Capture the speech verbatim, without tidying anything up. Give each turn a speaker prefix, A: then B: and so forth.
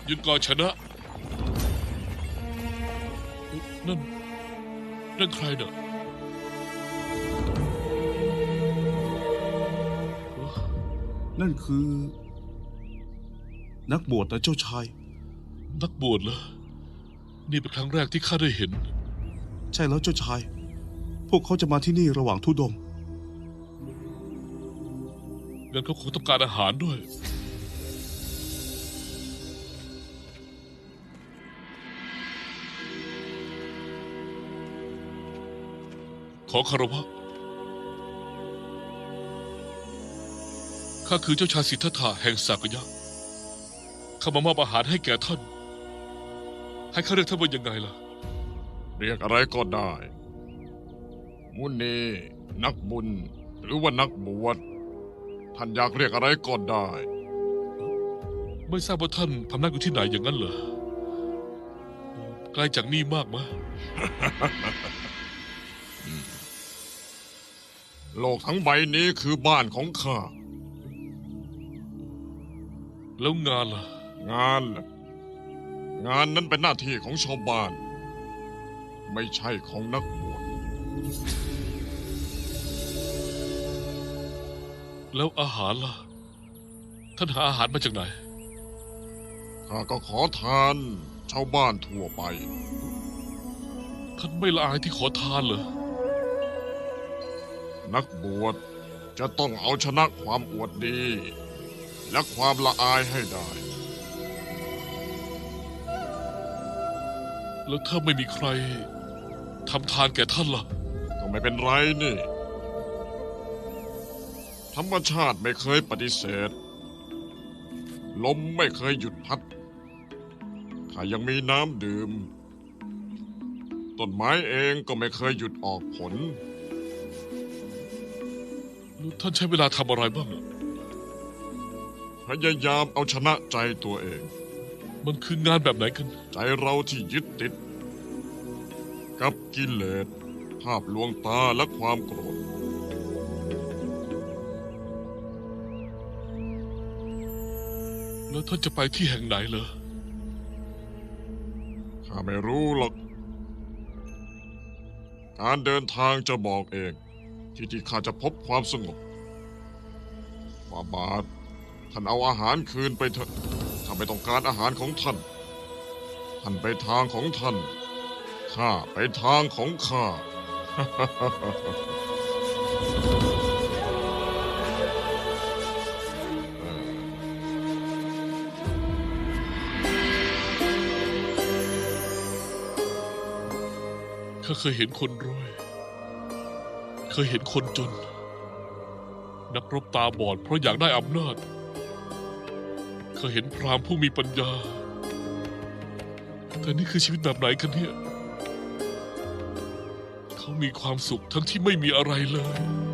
A: ยุดก่อนชนะนั่นนั่นใครเน่ะ
B: นั่นคือ นักบวชนะเจ้าชาย
A: นักบวชเหรอนี่เป็นครั้งแรกที่ข้าได้เห็น
B: ใช่แล้วเจ้าชาย พวกเขาจะมาที่นี่ระหว่างธุดงค์
A: งั้นเขาคงต้องการอาหารด้วยขอคารวะข้าคือเจ้าชายสิทธัตถะแห่งสากยะข้ามามอบอาหารให้แก่ท่าน ให้ข้าเรียกท่านว่ายังไงล่ะ
C: เรียกอะไรก็ได้ มุนีนักบุญ หรือว่านักบวช ท่านอยากเรียกอะไรก็ได้
A: ไม่ทราบว่าท่านพำนักอยู่ที่ไหนอย่างนั้นเหรอไกลจากนี่มากไหม
C: โลกทั้งใบนี้คือบ้านของข้า
A: แล้วงานล่ะ
C: งานล่ะงานนั้นเป็นหน้าที่ของชาวบ้าน ไม่ใช่ของนักบวช
A: แล้วอาหารล่ะ ท่านหาอาหารมาจากไหน
C: ข้าก็ขอทานชาวบ้านทั่วไป
A: ท่านไม่ละอายที่ขอทานเหรอ
C: นักบวชจะต้องเอาชนะความอวดดี และความละอายให้ได้
A: แล้วถ้าไม่มีใครทำทานแก่ท่านล่ะ
C: ก็ไม่เป็นไรนี่ ธรรมชาติไม่เคยปฏิเสธ ลมไม่เคยหยุดพัด ข้ายังมีน้ำดื่ม ต้นไม้เองก็ไม่เคยหยุดออกผล
A: แล้วท่านใช้เวลาทำอะไรบ้างอะ
C: พยายามเอาชนะใจตัวเอง
A: มันคืองานแบบไหนกัน
C: ใจเราที่ยึดติด กับกิเลส ภาพลวงตาและความโกรธ
A: แล้วท่านจะไปที่แห่งไหนเหรอ
C: ข้าไม่รู้หรอก การเดินทางจะบอกเอง ที่ที่ข้าจะพบความสงบฝ่าบาท ท่านเอาอาหารคืนไปเถอะข้าไม่ต้องการอาหารของท่าน ท่านไปทางของท่าน ข้าไปทางของข้า
A: ข้าเคยเห็นคนรวย เคยเห็นคนจน นักรบตาบอดเพราะอยากได้อำนาจ เคยเห็นพราหมณ์ผู้มีปัญญา แต่นี่คือชีวิตแบบไหนกันเนี่ย เขามีความสุขทั้งที่ไม่มีอะไรเลย